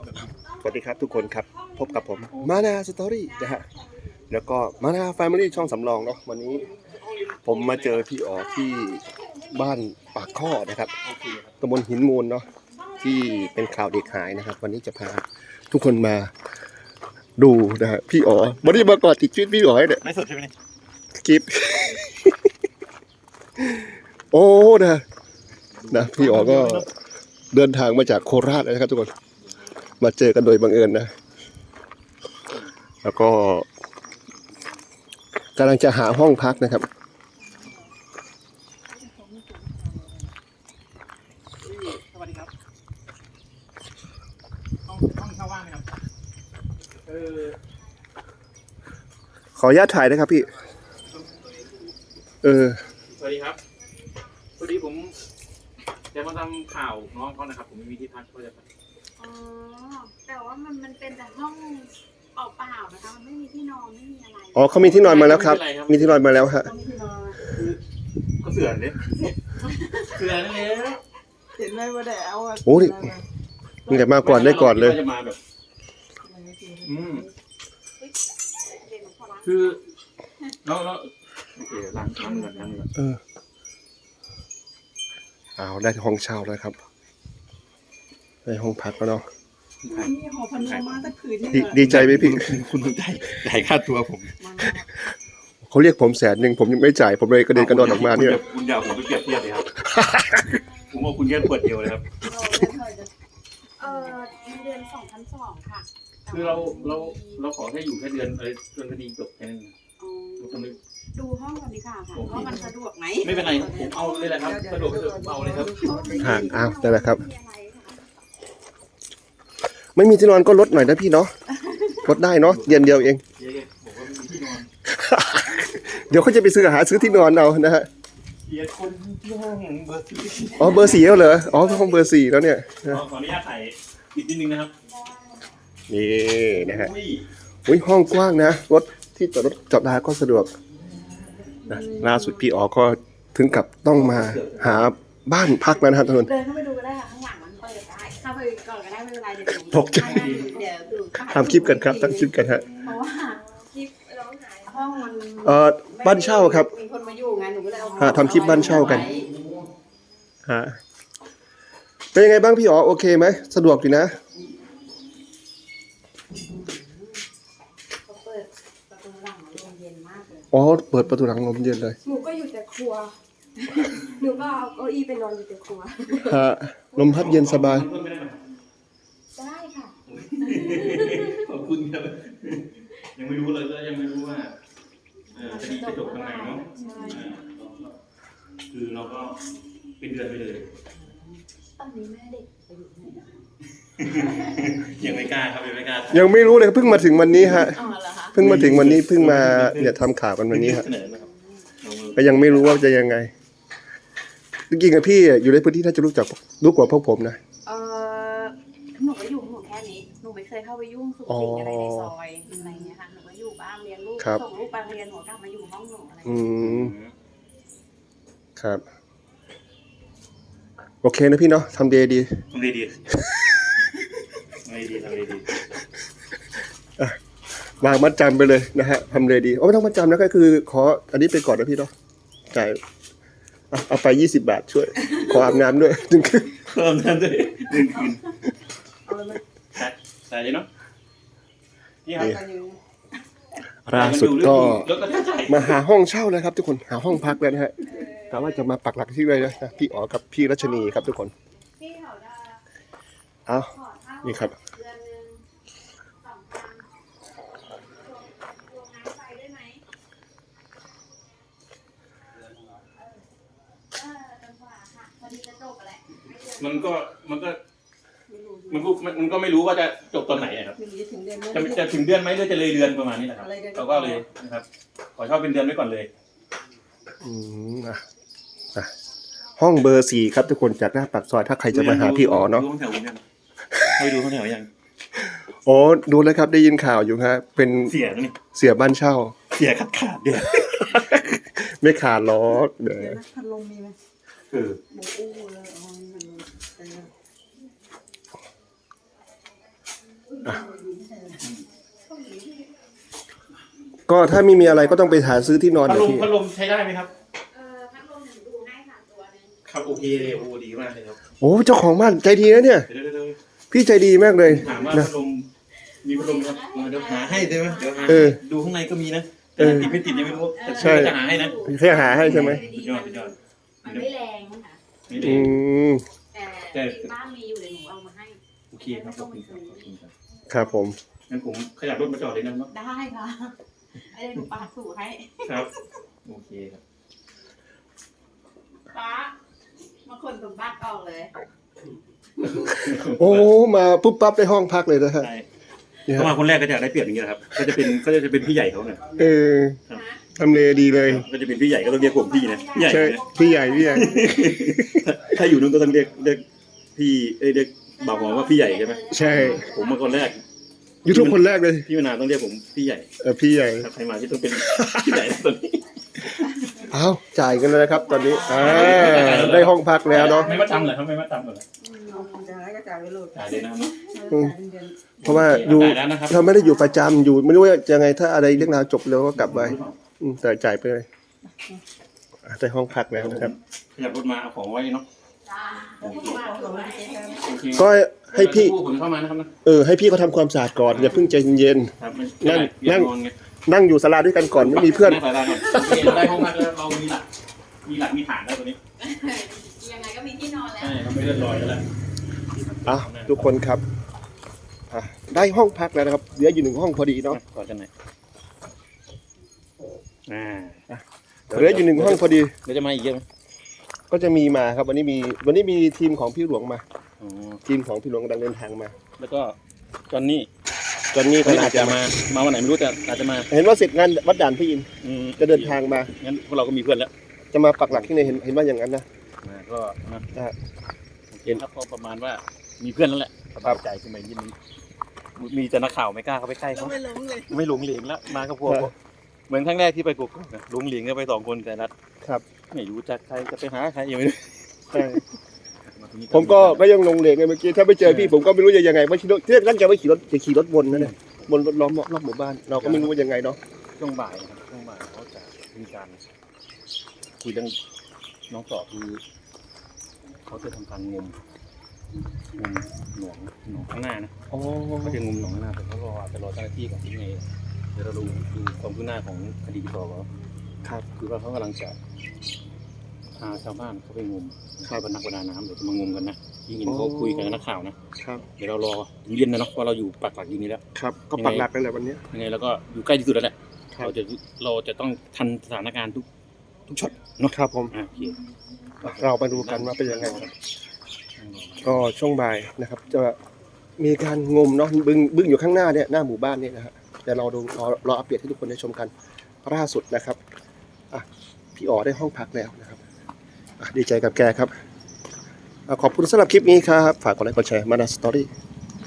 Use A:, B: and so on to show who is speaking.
A: สวัสดีครับทุกคนครับพบกับผมมานาสตอรี่นะฮะแล้วก็มานาแฟมิลี่ช่องสำรองเนาะวันนี้ผมมาเจอพี่อ๋อที่บ้านปากข้อนะครับตำบลหินมูลเนาะที่เป็นข่าวเด็กหายนะครับวันนี้จะพาทุกคนมาดูนะฮะพี่อ๋อวันนี้มาก่อนติดชีวิตพี่อ๋อเนี่ย
B: ไม่สดใช่ไหมเนี่ย
A: คลิป โอ้นะพี่อ๋อก็เดินทางมาจากโคราชนะครับทุกคนมาเจอกันโดยบังเอิญนะแล้วก็กำลังจะหาห้องพักนะครับ
B: สวัสดีครับห้องเช่าว่างไหมครับ
A: ขออนุญาตถ่ายนะครับพี่
B: สวัสดีครับพอดีผมจะมาทำข่าวน้องเขานะครับผมไม่มีที่พักก็จะ
C: อ๋อแต่ว่ามันเป็นแต่ห้องเปล่าๆนะคะมันไม่มีที่นอนไม่มีอะไร
A: อ๋อเขามีที่นอนมาแล้วครับมีที่นอนมาแล้วฮะ
C: มีที่นอน
B: ก็เสือเนี่ยเสือนั่นเอง
D: เห็นไหมว่าได้เอาอ่ะ
A: โอ้ยมีแต่มาก่อนได้ก่อนเลย
B: จะมาแบบคือแล้วโอเคล้างเงิน
A: เอาได้ห้องเช่าแล้วครับได้ห้องพักแล้วเนาะ
D: มีหอพันธุ์มาสักคืนนี่
A: ดีใจไหมพี่
B: คุณต้องจ่ายค่าตัวผม
A: เขาเรียกผม100,000ผมยังไม่จ่ายผมเลยกระเด็นกระดอนออกมาเนี่ย
B: คุณอย่าผมไปเปรียบเทียบเลยครับผมว่าคุณแค่ปวดเดียวเลยครับ
C: เดือน2,200ค่ะ
B: คือเราขอแค่อยู่แค่เดือนจนคดีจบแค่นั้น
C: ดูห้องก่อนดีค่ะว่ามันสะดวกไหม
B: ไม่เป็นไรผมเอาเลยแหละครับสะดวกเอาเลยครับ
A: อ้าวได้แล้วครับไม่มีที่นอนก็ลดหน่อยนะพี่เนาะลดได้เนาะเดือนเดียวเองเดี๋ยวเขาจะไปซื้อที่นอนเอานะฮะ
B: คนที่ห้องเบอร์4
A: อ๋อเบอร์4แล้วเหรออ๋อห้องเบอร์4แล้วเนี่ย
B: ขออนุญาตถ่ายอีกนิดนึงนะครับ
A: นี่นะฮะอุ้ยห้องกว้างนะรถที่จอดรถจอดได้ก็สะดวกนะล่าสุดพี่อ๋อก็ถึงกับต้องมาหาบ้านพักแล้วนะครับทุกคน
C: เดินเข้าไปดูก็ได้ค่ะข้างหลังมันเปิดได้เข้าไปก่อนก็ได้ไม่เป็นไรเดี๋ยว
A: ตกใจทำคลิปกันครับตั้งคลิปกันฮะ
C: เพราะว่าคลิปร้องหายห้องมัน
A: บ้านเช่าครับ
C: มีคนมาอยู่ไงหนูก็เลยเอา
A: ทำคลิปบ้านเช่ากันฮะเป็นยังไงบ้างพี่อ๋อโอเคไหมสะดวกดีนะอ๋อเปิดประตูหลังลมเย็นเลย
D: หนูก็อยู่แต่ครัวหนูก็เอาเก้าอี้ไปนอนอยู่แต่ครัว
A: ฮะลมพัดเย็นสบาย
C: ได้ค่ะ
B: ขอบคุณครับยังไม่รู้เลยก็ยังไม่รู้ว่าจะจบทางไหนเนาะคือเราก็เป็นเดือนไปเลย
C: ตอนนี้แม่เด็กไปอยู่ไหน
B: ยังไม่กล้าครับ
A: ยังไม่รู้เลยเพิ่งมาถึงวันนี้ฮะเพิ่งมาถึงวันนี้เพิ่งมาเนี่ยทำข่าวกันวันนี้ฮะก็ยังไม่รู้ว่าจะยังไงจริงๆอะพี่อยู่ในพื้นที่น่าจะรู้กว่าพวกผมนะ
C: หนูก็อยู่ของหนูแค่นี้หนูไม่เคยเข้าไปยุ่งสุขสิ่งอะไรในซอยอะไรเงี้ยค่ะหนูก็อยู่บ้านเลี้ยงลูกส่งลูกไปเรียนหนูกลับมาอยู่ห้องหนูอะไร
A: ครับโอเคนะพี่เนาะทำดี
B: ดี
A: วางมัดจำไปเลยนะฮะทำเลยดีไม่ต้องมัดจำนะก็คือขออันนี้ไปก่อนนะพี่เนาะจ่ายเอาไป20 บาทช่วยขออาบน้ำด้วย1 คืน
B: อาบน้ำด้วย1 คืนใส่เนาะนี่ครับ
A: ล่าสุดก็มาหาห้องเช่าแล้วครับทุกคนหาห้องพักแล้วนะฮะแต่ว่าจะมาปักหลักที่เลยนะพี่อ๋อกับพี่รัชนีครับทุกคนเอานี่ครับ
B: มันก็ไม่รู้ว่าจะจบตอนไหนครับจะถึงเดือนไหมหรือจะเลยเดือนประมาณนี้แหละครับเราก็เลยนะครับขอเช่าเป็นเดือนไว้ก่อนเลย
A: ห้องเบอร์4ครับทุกคนจากหน้าปากซอยถ้าใครจะมาหาพี่อ๋อเนาะ
B: ดูห้องแถวยัง
A: อ๋อดูแล้วครับได้ยินข่าวอยู่ครับเป็นเสียบ้านเช่า
B: เสียขาดเดือน
A: ไม่ขาดล้อเดี๋ยว
D: พัดลมมีไหม
A: ก็ถ้าไม่มีอะไรก็ต้องไปหาซื้อที่นอน
B: พัด
A: เดี๋ย
B: ล
A: ว
B: ม
A: พี่
B: พัดลมใช้ได้ไหมครับ
C: พัดลมหนึ่งดูให้ค่ะตัวนึง
B: ครับโอเคเลยโอ้ดีมากเลยครับ
A: โอ้เจ้าของบ้านใจดีนะเนี่ย
B: เดี๋ยว
A: พี่ใจดีมากเลย
B: ถามว่า
A: นะ
B: พัดลมมีพัดลมครับเดี๋ยวหาให้ได้ไหมเดี๋ยวหา
A: เออ
B: ดูข้างในก็มีนะแต่ติดไม่ติดยังไม่รู้แต่
A: ใช่
B: จะหาให้นะ
A: แค่หาให้ใช่ไหม
B: สุดยอดสุดยอด
C: มันไม่แรงค่ะ
B: ไม่ได้
A: อืม
C: แต่บ้านมีอยู่เดี๋ยวหนูเอามาให้
B: โอเคครับขอบคุณครับขอบคุณครับ
A: ครับผม
B: งั้นผมขยับรถมาจอดเลยนะครับ
C: ได้ค่ะไอ้เดี๋ยวหนูปาดสูตรให้
B: ครับโอเคครับ
C: ป้ามาคนสมบัติออกเลย
A: โอ้มาปุ๊บปั๊บได้ห้องพักเลยนะฮะ
B: ใช่
A: เนี่ย
B: เข้ามาคนแรกก็จะได้เปรียบอย่างนี้นะครับก็จะเป็นพี่ใหญ่เขาเนี่ย
A: เออทำเลดีเลย
B: ก็จะเป็นพี่ใหญ่ก็ต้องเรียกผมพี่นะพี่ใหญ่
A: ใช่
B: นะ
A: พี่ใหญ่พี่ใหญ่
B: ถ้าอยู่นู้นก็ต้องเรียกพี่เรียกบ่าวหอมว่าพี่ใหญ่ใช่ไหม
A: ใช่
B: ผมมาคนแรก
A: ยูทูบคนแรกเลย
B: พี่มานาวต้องเรียกผมพี่ใหญ่
A: พี่ใหญ่
B: ถ้าใครมาที่ต้องเป็นพี่ใหญ่ตอนนี้
A: อ้าวจ่ายกันเลยนะครับ ตอนนี้ได้ห้องพักแล้วเนาะ
B: ไม่มาจำเหรอครับไม่มาจำเหรอ
D: จะให้ก็จ่ายไปโหลด
B: จ่ายเลยนะครับ
A: เพราะว่าอยู่
B: จ่ายแล้วนะครับ
A: เราไม่ได้อยู่ประจำอยู่ไม่รู้ว่าจะไงถ้าอะไรเรื่องราวจบแล้วก็กลับไปแต่จ่ายไปเลยได้ห้องพักแล้วนะครับ
B: ขยับรถมาเอาของไว้เนาะ
C: จ้า
B: โอเค โอเค
A: ก็ให้พี่
B: ผู้ขนเข้ามานะครับนะ
A: ให้พี่เขาทำความสะอาดก่อนอย่าเพิ่งใจเย็น
B: ครับ
A: นั่ง
B: นอนไง
A: ๆนั่งอยู่ศาลาด้วยกันก่อนไม่มีเพื่อน
B: นั่งสายตาก่อนโอเคเราได้ห้องพักแล้วเรามีหลักมีฐานแล้วตัวนี้
C: ยังไงก็มีที่นอนแล้ว
B: ใช่เราไม่เลื่อนลอยแล้วแหละ
A: อ่ะทุกคนครับได้ห้องพักแล้วนะครับเหลืออยู่1ห้องพอดีเนาะ
B: กอดกันหน่อย
A: เหลืออยู่1ห้องพอดี
B: เดี๋ยวจะมาอีกเยอะไหม
A: ก็จะมีมาครับวันนี้มีทีมของพี่หลวงมา
B: อ๋อ
A: ทีมของพี่หลวงกำลังเดินทางมา
B: แล้วก็จอนนี่
A: ตอนนี้ก็
B: อา
A: อา
B: จ
A: จ
B: จะ
A: จะ
B: มาวันไหนไม่รู้แต่อาจจะมา
A: เห็นว่าเสร็จงานวัดด่านพี่อินจะเดินทางมา
B: งั้นพวกเราก็มีเพื่อนแล้ว
A: จะมาปักหลักที่ไหนเห็นว่าอย่างนั้นนะ
B: ก็นะ
A: ได้
B: โอเคครับก็ประมาณว่ามีเพื่อนแล้วแหละสบายใจขึ้นมานิดนึงมีแต่นักข่าวไม่กล้าเข้าไปใกล้เขาไม่หลงเหลงแล้วมากับพวกเหมือนครั้งแรกที่ไปกุกนะหลงเหลงก็ไป2 คนแต่นัด
A: ครับ
B: ไม่รู้จักใครจะไปหาใครยังไม่รู้
A: ใช่ผมก็ยังลงเหลงไงเมื่อกี้ถ้าไม่เจอพี่ผมก็ไม่รู้จะยังไงว่าขี่รถที่แรกตั้งใจว่าขี่รถวนนั่นแหละบนรถล้อมรอบหมู่บ้านเราก็ไม่รู้ว่ายังไงเนาะ
B: ช่วงบ่ายนะครับช่วงบ่ายเขาจะมีการคุยเรื่องน้องต่อคือเขาจะทำการงมหนองข้างหน้านะเขาจะงมหนองข้างหน้าแต่เขารอเจ้าหน้าที่ก่อนที่ไงเดี๋ยวเราดูความคืบหน้าของคดีต่อว่า
A: ครับ
B: คือว่าเขากำลังจะพาชาวบ้านเขาไปงมใช่บรรนักประดาน้ำเดี๋ยวจะมางมกันนะที่เห็นเขาคุยกันกับนักข่าวนะครับ เดี๋ยวเรารอถึงเย็นนะเนาะเพราะเราอยู่ปักหลักอยู่นี่แล้ว
A: ครับก็ปักหลักกันแหละวันนี้
B: ยังไงแล้วก็อยู่ใกล้ที่สุดแล้วแหละ
A: ครับ
B: เราจะต้องทันสถานการณ์ทุกช็อตเนาะ
A: ครับผม
B: โอเค
A: เรามาดูกันว่าเป็นยังไงครับก็ช่วงบ่ายนะครับ จะมีการงมเนาะบึ้งอยู่ข้างหน้าเนี่ยหน้าหมู่บ้านเนี่ยนะฮะแต่เราดูรออัปเดตให้ทุกคนได้ชมกันล่าสุดนะครับพี่อ๋อได้ห้องพักแล้วนะครับดีใจกับแกครับขอบคุณสำหรับคลิปนี้ครับฝากกดไลค์กดแชร์มานาสตอรี่